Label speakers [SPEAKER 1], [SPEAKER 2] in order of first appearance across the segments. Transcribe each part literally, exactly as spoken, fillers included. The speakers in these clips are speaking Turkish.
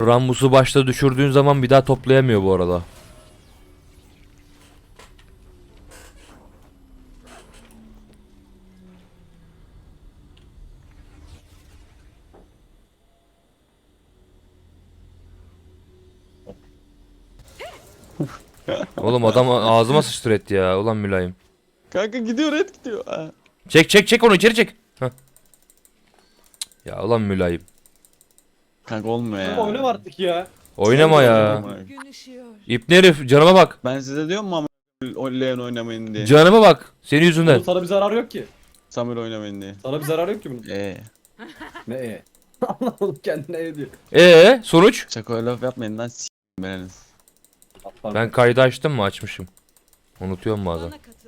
[SPEAKER 1] Rammus'u başta düşürdüğün zaman bir daha toplayamıyor bu arada. Oğlum adam ağzıma sıçtır etti ya. Ulan mülayim.
[SPEAKER 2] Kanka gidiyor, red gidiyor. Ha.
[SPEAKER 1] Çek çek çek onu içeri çek. Heh. Ya ulan mülayim.
[SPEAKER 2] Kanka olmuyor
[SPEAKER 3] Kanka
[SPEAKER 2] ya.
[SPEAKER 3] oynama artık ya.
[SPEAKER 1] Oynama ya.
[SPEAKER 4] Gün ışıyor.
[SPEAKER 1] İbne herif canıma bak.
[SPEAKER 2] Ben size diyorum mu ama o Leon oynamayın diye.
[SPEAKER 1] Canıma bak. Senin yüzünden.
[SPEAKER 3] Oğlum sana bir zarar yok ki.
[SPEAKER 2] Samuel oynamayın diye.
[SPEAKER 3] Sana bir zarar yok ki bunun.
[SPEAKER 2] Eee.
[SPEAKER 3] Ne e? Anlamadım kendine e diyor.
[SPEAKER 1] Ee sonuç?
[SPEAKER 2] Çakoya laf yapmayın lan s***im beniniz.
[SPEAKER 3] Atlar.
[SPEAKER 1] Ben kaydı açtım mı? Açmışım. Unutuyorum bazen.
[SPEAKER 4] Bana katıl.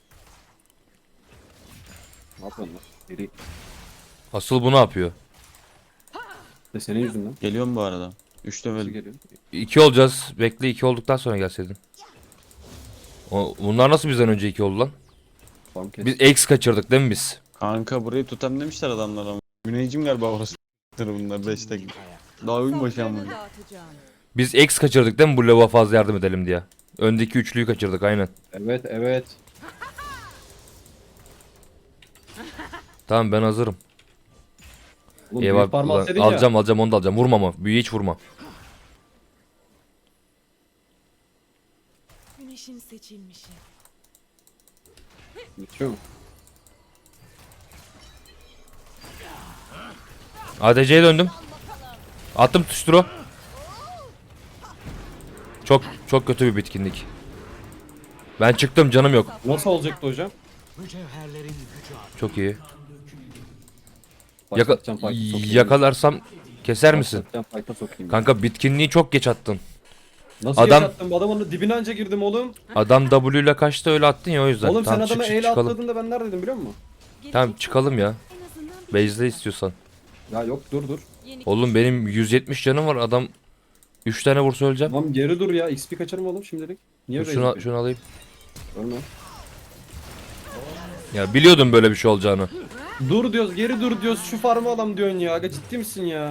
[SPEAKER 3] Ne yapıyorsun lan? Deri.
[SPEAKER 1] Asıl bu ne yapıyor?
[SPEAKER 3] De senin yüzünden.
[SPEAKER 2] Geliyorum bu arada. Üçte
[SPEAKER 3] Nasıl
[SPEAKER 2] böyle.
[SPEAKER 3] geliyor?
[SPEAKER 1] İki olacağız. Bekle iki olduktan sonra gelseydin. O, bunlar nasıl bizden önce iki oldu lan?
[SPEAKER 3] Tamam kes.
[SPEAKER 1] Biz X kaçırdık değil mi biz?
[SPEAKER 2] Kanka burayı tutam demişler adamlar ama. Güneycim galiba orası. Bunlar beşte. Daha oyun başı ama.
[SPEAKER 4] Saflarını dağıtacağım.
[SPEAKER 1] Biz X kaçırdık değil mi bu lavuğa fazla yardım edelim diye? Öndeki üçlüyü kaçırdık aynen.
[SPEAKER 3] Evet evet.
[SPEAKER 1] Tamam ben hazırım.
[SPEAKER 3] Oğlum
[SPEAKER 1] Eyvah
[SPEAKER 3] büyük parmağı
[SPEAKER 1] ulan,
[SPEAKER 3] atsaydın
[SPEAKER 1] alacağım alacağım onu da alacağım. Vurma ama. Büyüğü hiç vurma.
[SPEAKER 4] Güneşin seçilmişi.
[SPEAKER 3] ya. Geçiyor mu?
[SPEAKER 1] A D C'ye döndüm. Attım tuşturu. Çok çok kötü bir bitkinlik. Ben çıktım canım yok.
[SPEAKER 3] Nasıl olacaktı hocam?
[SPEAKER 1] Çok iyi. Yaka
[SPEAKER 3] Başlatacağım fight'ı sokayım.
[SPEAKER 1] yakalarsam keser misin?
[SPEAKER 3] Başlatacağım fight'a sokayım.
[SPEAKER 1] Kanka bitkinliği çok geç attın.
[SPEAKER 3] Nasıl
[SPEAKER 1] adam-
[SPEAKER 3] yaşattın? Adamın dibine anca girdim oğlum.
[SPEAKER 1] Adam W ile kaçtı öyle attın ya o yüzden.
[SPEAKER 3] Oğlum
[SPEAKER 1] Tamam,
[SPEAKER 3] sen
[SPEAKER 1] çık,
[SPEAKER 3] adama
[SPEAKER 1] çık,
[SPEAKER 3] eyle
[SPEAKER 1] çıkalım.
[SPEAKER 3] atladığında ben neredeydim biliyor musun?
[SPEAKER 1] Tamam çıkalım ya.
[SPEAKER 4] En azından
[SPEAKER 1] Base'de istiyorsan.
[SPEAKER 3] Ya yok dur dur.
[SPEAKER 4] yeni
[SPEAKER 1] Oğlum benim yüz yetmiş canım var adam üç tane vursa öleceğim.
[SPEAKER 3] Tamam geri dur ya. X P kaçarım oğlum şimdilik. Niye
[SPEAKER 1] Dur,
[SPEAKER 3] böyle
[SPEAKER 1] şunu,
[SPEAKER 3] yapıyorsun?
[SPEAKER 1] şunu alayım.
[SPEAKER 3] Ölme.
[SPEAKER 1] Ya biliyordum böyle bir şey olacağını.
[SPEAKER 3] Dur diyoruz geri dur diyoruz şu farmı alam diyorsun ya. Aga ciddi misin ya?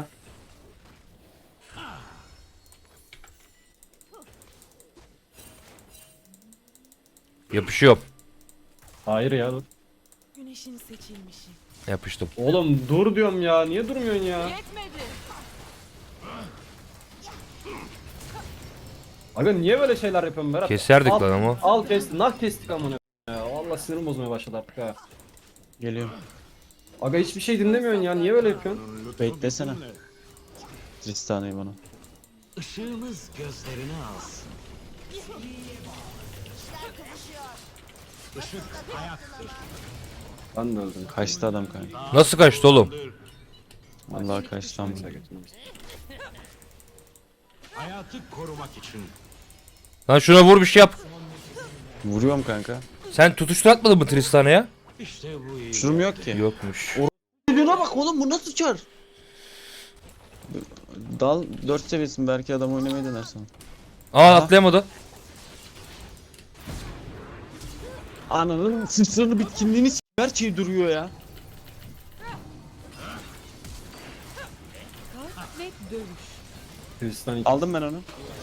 [SPEAKER 1] Yapışıyorum.
[SPEAKER 3] Hayır ya dur.
[SPEAKER 4] güneşin seçilmişi.
[SPEAKER 1] Yapıştım.
[SPEAKER 3] Oğlum dur diyorum ya. Niye durmuyorsun ya?
[SPEAKER 4] Yetmedi.
[SPEAKER 3] Aga niye böyle şeyler yapıyorsun Berat?
[SPEAKER 1] Keserdik
[SPEAKER 3] al,
[SPEAKER 1] lan ama.
[SPEAKER 3] Al kestik. Nah kestik amına ya. Vallahi sinirim bozmaya başladı artık ha.
[SPEAKER 2] Geliyorum.
[SPEAKER 3] Aga hiçbir şey dinlemiyorsun ya. Niye böyle yapıyorsun?
[SPEAKER 2] Beklesene. Tristana'yı bana.
[SPEAKER 5] Işığımız gözlerini alsın. Işık hayattır.
[SPEAKER 3] Ben de öldüm.
[SPEAKER 2] Kaçtı adam kanka.
[SPEAKER 1] Nasıl kaçtı oğlum?
[SPEAKER 2] Vallahi kaçtı ama.
[SPEAKER 3] Neyse, götürmemiz.
[SPEAKER 5] Hayatı korumak için.
[SPEAKER 1] Lan şuna vur bir şey yap.
[SPEAKER 2] Vuruyorum kanka.
[SPEAKER 1] Sen tutuştur atmadın mı Tristan'a ya?
[SPEAKER 5] İşte bu iyi.
[SPEAKER 2] Şurum yok ki.
[SPEAKER 1] Yokmuş.
[SPEAKER 2] Şuna bak oğlum, bu nasıl çar? Dal dört seviyesin, belki adam oynamayı dener sana.
[SPEAKER 1] Aa atlayamadı.
[SPEAKER 2] Ananın sırtlarını bitkinliğini s*** her şey duruyor ya.
[SPEAKER 4] Kalk ve dövüş.
[SPEAKER 3] Hristiyan iki.
[SPEAKER 2] Aldım ben onu.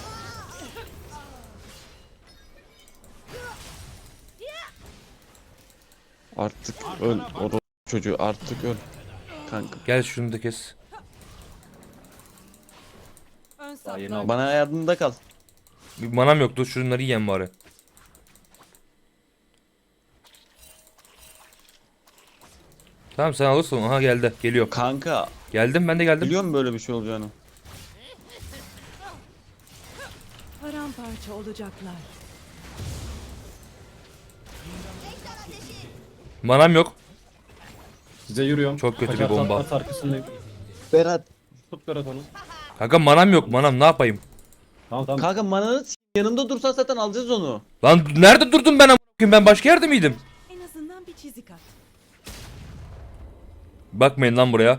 [SPEAKER 2] Artık öl o çocuğu, artık öl. Kanka
[SPEAKER 1] Gel şunu da kes.
[SPEAKER 4] Ön
[SPEAKER 3] Daha yeni
[SPEAKER 4] saflar.
[SPEAKER 3] aldım.
[SPEAKER 2] bana yardımda kal.
[SPEAKER 1] Bir manam yoktu şunları yiyen bari. Tamam sen alırsın. Aha geldi. Geliyor.
[SPEAKER 2] Kanka
[SPEAKER 1] Geldim ben de geldim.
[SPEAKER 2] biliyorum böyle bir şey olacağını.
[SPEAKER 4] Paramparça olacaklar.
[SPEAKER 1] Manam yok.
[SPEAKER 3] Size yürüyorum.
[SPEAKER 1] Çok kötü bir
[SPEAKER 3] Kaçar
[SPEAKER 1] bomba.
[SPEAKER 3] at arkasındayım.
[SPEAKER 2] Berat.
[SPEAKER 3] Tut Berat onu.
[SPEAKER 1] Kanka manam yok manam ne yapayım?
[SPEAKER 3] Tamam tamam.
[SPEAKER 2] Kanka mananı s*** yanımda dursan zaten alacağız onu.
[SPEAKER 1] Lan nerede durdum ben a**ayım, ben başka yerde miydim?
[SPEAKER 4] En azından bir çizik at.
[SPEAKER 1] Bakmayın lan buraya.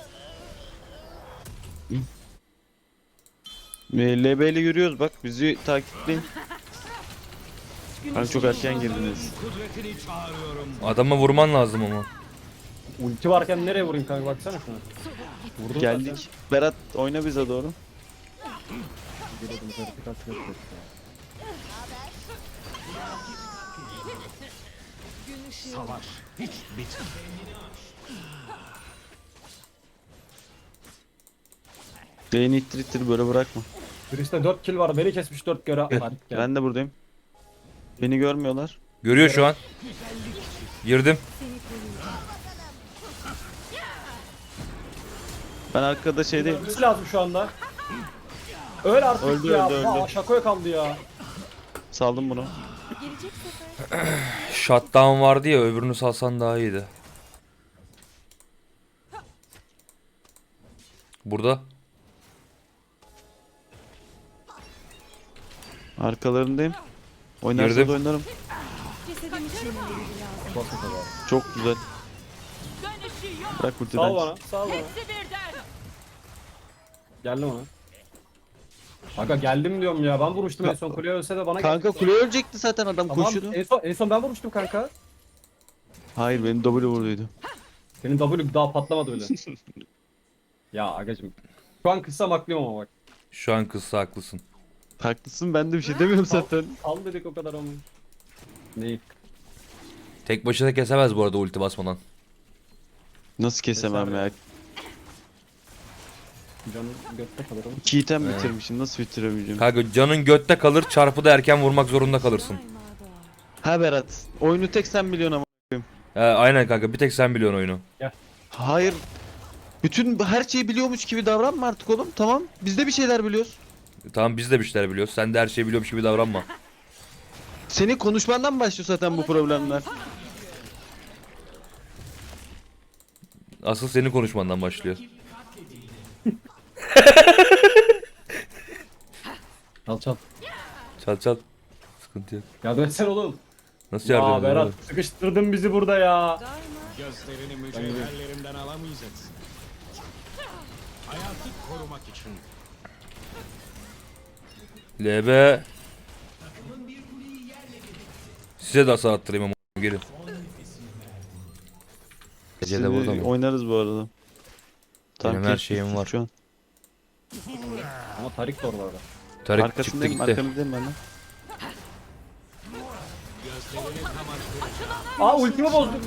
[SPEAKER 2] L B ile yürüyoruz bak, bizi takipleyin. Hani çok erken girdiniz.
[SPEAKER 5] Kudretini çağırıyorum.
[SPEAKER 1] Adama vurman lazım ama.
[SPEAKER 3] Ulti varken nereye vurayım kanka baksana şuna. Vurdum
[SPEAKER 2] Geldik. Berat oyna bize doğru.
[SPEAKER 3] Giriyordum vertikal flash yok ya.
[SPEAKER 4] Gün ışığı
[SPEAKER 5] Savaş hiç bitmez.
[SPEAKER 2] Beyni ittir ittir böyle bırakma.
[SPEAKER 3] Biriste dört kill var, beni kesmiş dört göre
[SPEAKER 2] Gel,
[SPEAKER 3] var. Gel.
[SPEAKER 2] ben de buradayım. Beni görmüyorlar.
[SPEAKER 1] Görüyor şu an. Girdim.
[SPEAKER 4] seni koruyacak.
[SPEAKER 2] Ben arkada şeydeyim.
[SPEAKER 3] Ölmesi lazım şu anda. Öl artık
[SPEAKER 2] Öldü,
[SPEAKER 3] ya.
[SPEAKER 2] öldü, öldü.
[SPEAKER 3] Aa, şakoya kaldı ya.
[SPEAKER 2] Saldım bunu.
[SPEAKER 4] Gelecek sefer
[SPEAKER 1] Shutdown vardı ya, öbürünü salsan daha iyiydi. Burada.
[SPEAKER 2] Arkalarındayım. Oynarsa
[SPEAKER 1] Girdim.
[SPEAKER 2] da oynarım.
[SPEAKER 4] cesedimi çiğnemeleri lazım.
[SPEAKER 3] Basın kadar.
[SPEAKER 2] Çok güzel. Bırak
[SPEAKER 3] Sağ
[SPEAKER 2] ultiden.
[SPEAKER 3] ol bana, sağ ol bana. Geldim ona. Aga geldim diyorum ya. Ben vurmuştum en son, kuleye ölse de bana
[SPEAKER 2] Kanka
[SPEAKER 3] geldi.
[SPEAKER 2] kule ölecekti zaten adam
[SPEAKER 3] Tamam,
[SPEAKER 2] koşuyordu.
[SPEAKER 3] en son, en son ben vurmuştum kanka.
[SPEAKER 2] Hayır benim W vurduydu.
[SPEAKER 3] Senin W daha patlamadı öyle. Ya agacım. Şu an kıssam haklıyım ama bak.
[SPEAKER 1] Şu an kızsa haklısın.
[SPEAKER 2] Haklısın, ben de bir şey demiyorum zaten.
[SPEAKER 3] Al dedik o kadar ama. Neyi?
[SPEAKER 1] Tek başına kesemez bu arada ulti basmadan.
[SPEAKER 2] Nasıl kesemem ya?
[SPEAKER 3] Canım götte kalırım.
[SPEAKER 2] İki item
[SPEAKER 1] He.
[SPEAKER 2] bitirmişim, nasıl bitiremeyeceğim?
[SPEAKER 1] Kanka canın götte kalır, çarpıda erken vurmak zorunda kalırsın.
[SPEAKER 4] Daima doğar.
[SPEAKER 2] Ha Berat, oyunu tek sen biliyorsun ama.
[SPEAKER 1] He, aynen kanka, bir tek sen biliyorsun oyunu.
[SPEAKER 2] Hayır. Bütün her şeyi biliyormuş gibi davranma artık oğlum. Tamam. Biz de bir şeyler biliyoruz.
[SPEAKER 1] Tamam, biz de bir şeyler biliyoruz. Sen de her şeyi biliyormuş gibi davranma.
[SPEAKER 2] Senin konuşmandan başlıyor zaten bu problemler.
[SPEAKER 1] Asıl senin konuşmandan başlıyor.
[SPEAKER 3] Çal çal.
[SPEAKER 1] Çal çal. Sıkıntı yok.
[SPEAKER 3] Yardım etsene oğlum.
[SPEAKER 1] Nasıl yardım
[SPEAKER 3] Ya
[SPEAKER 1] edeyim
[SPEAKER 3] Berat
[SPEAKER 1] oğlum?
[SPEAKER 3] sıkıştırdın bizi burada ya.
[SPEAKER 4] Daima
[SPEAKER 5] Gözlerini mücevherlerimden alamayacaksın. Hayatı korumak için.
[SPEAKER 1] L B. Size de hasar attırayım ama gelin. Ece de burada
[SPEAKER 2] Şimdi
[SPEAKER 1] mı?
[SPEAKER 2] oynarız bu arada.
[SPEAKER 1] Benim her
[SPEAKER 2] kes,
[SPEAKER 1] şeyim
[SPEAKER 2] kes,
[SPEAKER 1] var.
[SPEAKER 2] Şu an.
[SPEAKER 3] Ama Tarik de oralarda.
[SPEAKER 1] Tarık çıktı
[SPEAKER 2] Arkasındayım,
[SPEAKER 1] gitti.
[SPEAKER 2] arkamızdayım ben de.
[SPEAKER 3] Aa ultimi bozdum.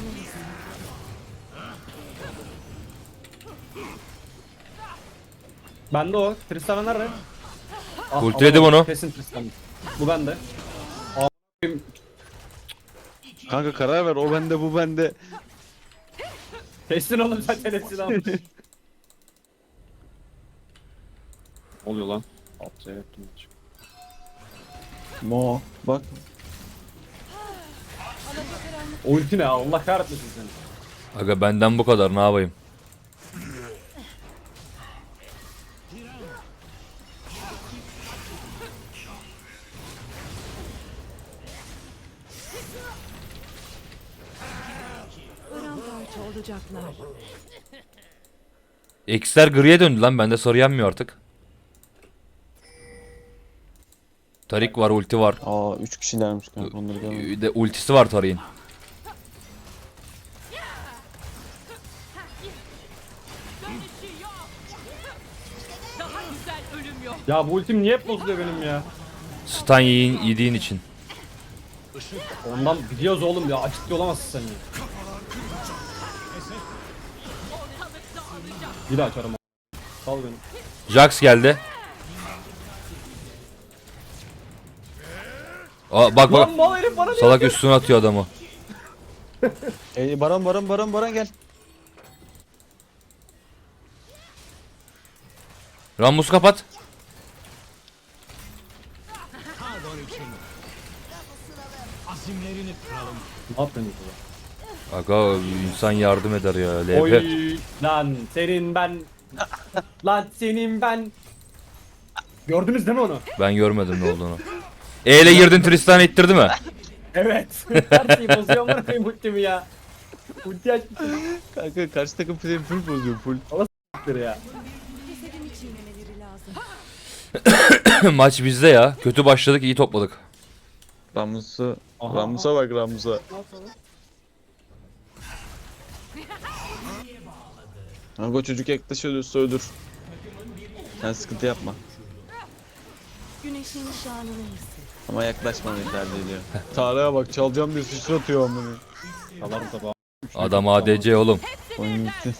[SPEAKER 3] Bende o. Tristana nerede? Ah,
[SPEAKER 1] Ultiledim
[SPEAKER 3] alamadım.
[SPEAKER 1] onu.
[SPEAKER 3] Kesin Tristana. Bu bende. A**ayım.
[SPEAKER 2] Kanka karar ver, o bende bu bende.
[SPEAKER 3] Kestin oğlum zaten hepsini almış. Oluyor lan. Atça yaptım.
[SPEAKER 2] Mo. Bak.
[SPEAKER 3] O ulti ne? Allah kahretmesin seni.
[SPEAKER 1] Aga benden bu kadar, ne yapayım?
[SPEAKER 4] paramparça olacaklar.
[SPEAKER 1] X'ler griye döndü lan, bende sarı yanmıyor artık. Tarik var, ulti var.
[SPEAKER 2] Aa üç kişilermiş kanka, onları görmedim.
[SPEAKER 1] Bir de ultisi var Tarik'in.
[SPEAKER 3] Ya bu ultim niye hep bozuluyor benim ya?
[SPEAKER 1] Stun yiyin, yediğin için.
[SPEAKER 3] Ondan biliyoruz oğlum ya. Ciddi olamazsın sen ya. Bir daha açarım. Sal beni.
[SPEAKER 1] Jax geldi. Aa, bak bak.
[SPEAKER 3] Lan mal herif bana niye?
[SPEAKER 1] Salak üstüne atıyor adamı.
[SPEAKER 2] Ey Baran Baran Baran Baran gel.
[SPEAKER 1] Rammus kapat.
[SPEAKER 5] Pardon için. Azimlerini kıralım.
[SPEAKER 3] Ne yaptın bu?
[SPEAKER 1] Aga insan yardım eder ya. L P.
[SPEAKER 3] Oy lan senin ben. Lan senin ben. Gördünüz değil mi onu?
[SPEAKER 1] Ben görmedim ne olduğunu. E ile girdin, Tristan ittirdi mi?
[SPEAKER 3] Evet. Her şeyi bozuyor mu koyayım ultimi ya. Ulti açmıştır
[SPEAKER 2] Kanka karşı takım frame full bozuyor full.
[SPEAKER 3] ya.
[SPEAKER 4] Cesedimi çiğnemeleri lazım.
[SPEAKER 1] Maç bizde ya. Kötü başladık, iyi topladık.
[SPEAKER 2] Ramus'a
[SPEAKER 3] Aha.
[SPEAKER 2] Ramus'a bak Ramus'a. Kanka çocuk yaklaşıyor, öldür. Sen sıkıntı yapma.
[SPEAKER 4] Güneşin şanını hisset.
[SPEAKER 2] Ama yaklaşmamayı tercih ediyorum. Tarık'a bak çalacağım diye sıçratıyor amına.
[SPEAKER 3] Salarım tabağı.
[SPEAKER 1] Adam A D C oğlum.
[SPEAKER 2] Oyun bitti.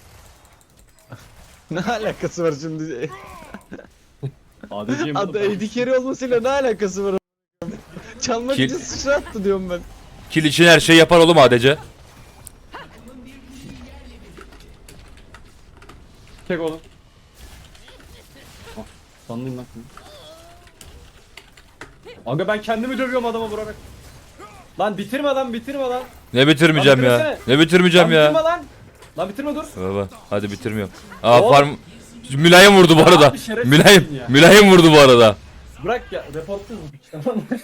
[SPEAKER 2] Ne alakası var şimdi?
[SPEAKER 3] A D C'yim
[SPEAKER 2] Adı A D carry olmasıyla ne alakası var? Çalmak
[SPEAKER 1] Kill-
[SPEAKER 2] için sıçrattı diyorum ben.
[SPEAKER 1] Kill için her şey yapar oğlum A D C.
[SPEAKER 3] Çek oğlum. Ah, sandım lan. Aga ben kendimi dövüyorum adama vurarak. Lan bitirme lan bitirme lan.
[SPEAKER 1] Ne bitirmeyeceğim
[SPEAKER 3] Lan
[SPEAKER 1] ya.
[SPEAKER 3] bitirsene.
[SPEAKER 1] Ne bitirmeyeceğim
[SPEAKER 3] Lan bitirme
[SPEAKER 1] ya.
[SPEAKER 3] lan. Lan bitirme dur.
[SPEAKER 1] Baba hadi bitirmiyorum. Aa
[SPEAKER 3] Oğlum.
[SPEAKER 1] farm Mülayim vurdu bu
[SPEAKER 3] Ya
[SPEAKER 1] arada.
[SPEAKER 3] abi şerefsizsin
[SPEAKER 1] Mülayim
[SPEAKER 3] ya.
[SPEAKER 1] Mülayim vurdu bu arada.
[SPEAKER 3] Bırak ya reportsuz bu piç tamam mı?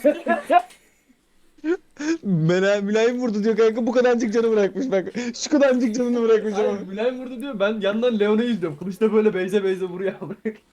[SPEAKER 2] Mela, mülayim vurdu diyor kanka bu kadarcık canı bırakmış bak. Şu kadarcık canını bırakmış ama.
[SPEAKER 3] Hayır Mülayim vurdu diyor ben yandan Leon'u izliyorum. Kılıçta böyle beyze beyze vuruyor.